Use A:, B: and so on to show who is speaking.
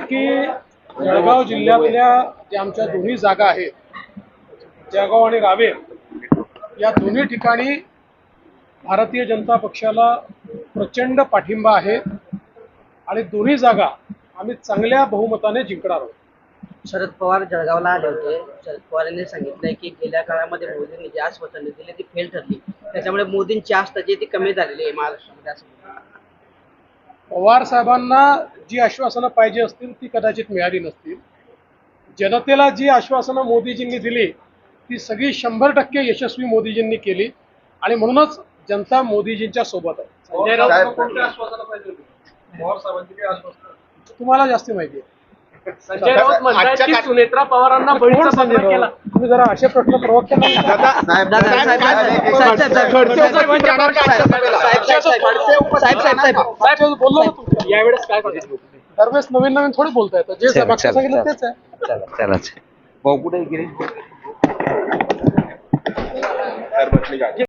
A: की जळगाव जिल्ह्यातल्या ज्या आमच्या दोन्ही जागा आहेत, जळगाव आणि रावेर, या दोन्ही ठिकाणी भारतीय जनता पक्षाला प्रचंड पाठिंबा आहे आणि दोन्ही जागा आम्ही चांगल्या बहुमताने जिंकणार आहोत.
B: शरद पवार जळगावला आले होते. शरद पवार यांनी सांगितलंय की गेल्या काळामध्ये मोदींनी जी आश्वासने दिली ती फेल ठरली, त्याच्यामुळे मोदींची आस्था जी ती कमी झालेली आहे महाराष्ट्रामध्ये असं.
A: पवार साहेबांना जी आश्वासनं पाहिजे असतील ती कदाचित मिळाली नसतील. जनतेला जी आश्वासनं मोदीजींनी दिली ती सगळी 100% यशस्वी मोदीजींनी केली आणि म्हणूनच जनता मोदीजींच्या सोबत आहे.
C: संजय राऊत कोणत्या आश्वासनं पाहिजे होती? पवार साहेबांची काही आश्वासन?
A: तुम्हाला जास्ती माहिती आहे.
C: संजय राऊत म्हणतात की सुनेत्रा पवारांना
A: कोण
C: बळीचा
A: संजय
C: पत्र केला.
A: राऊत? तुम्ही जरा असे प्रश्न प्रवक्त्यांना बोललो ना तुम्ही.
C: यावेळेस काय सांगितलं?
A: दरवेळेस नवीन नवीन थोडी बोलता येतं. जे मागचं सांगितलं तेच आहे.
D: चला भाऊ कुठे गिरीश